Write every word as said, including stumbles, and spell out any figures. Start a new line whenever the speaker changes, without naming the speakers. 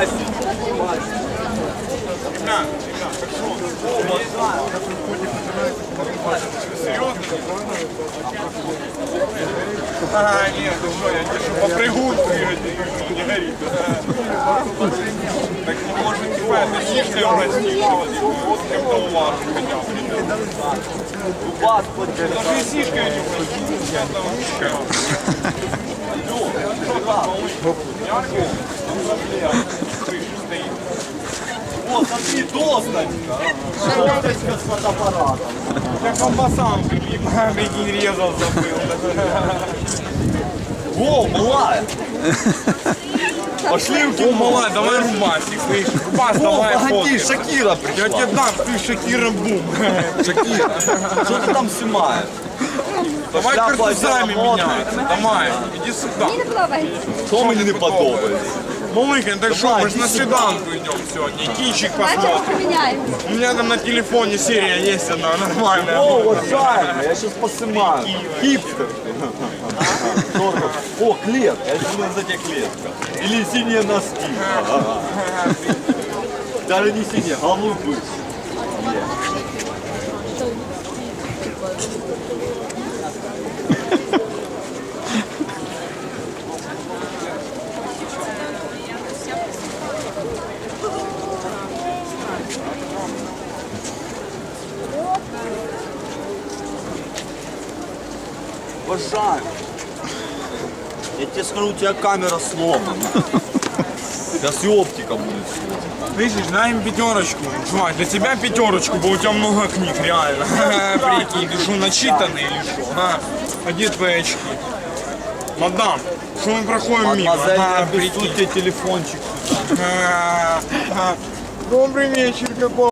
Мастер.
Ребят, ребят, так что? Серьезно? А, нет, ты что, я держу по прыгунку, не горит. Так не может типа это сильно уронить, вот как-то уважу хотя бы.
Вас подберет.
Даже и сишка не уронить, я там ручка.
О, смотри, досточка. Досточка с фотоаппаратом.
Я колбасам прикинь, резал, забыл.
О, малая. Пошли в
О,
кино.
малая, давай рубасик, слышишь? Рубас,
О,
давай
погоди,
фоткай.
Шакира
Я
пришла.
тебе дам, ты Шакира Бум.
Шакира, что ты там снимаешь?
Давай
Шляпа
картузами
одела модно.
меняться. Давай, иди сюда.
Мені не подобається.
Что мне не подобается?
Малыка, так что,
Давай,
мы же на
иди сюда.
свиданку идем сегодня. Кинчик
Бачимо,
посмотрим.
поміняємо.
У меня там на телефоне серия есть одна нормальная.
О, уважаемый, я сейчас поснимаю. Хипстер. Дорого. О, клетка, я думаю, за тебя клетка. Или синие носки. Даже не синие, голубые. Уважаемый, я тебе скажу, у тебя камера сломана. Сейчас и оптика будет сломана.
Видишь, дай им пятерочку. Чувак, для тебя пятерочку, бо у тебя много книг, реально. Прикинь, ты что, начитанный или что? А? А где твои очки? Мадам, что мы проходим мимо?
Мадемуазель,
А,
я
прикинь.
обессудь тебе телефончик сюда.
А, а. Добрый вечер, какой.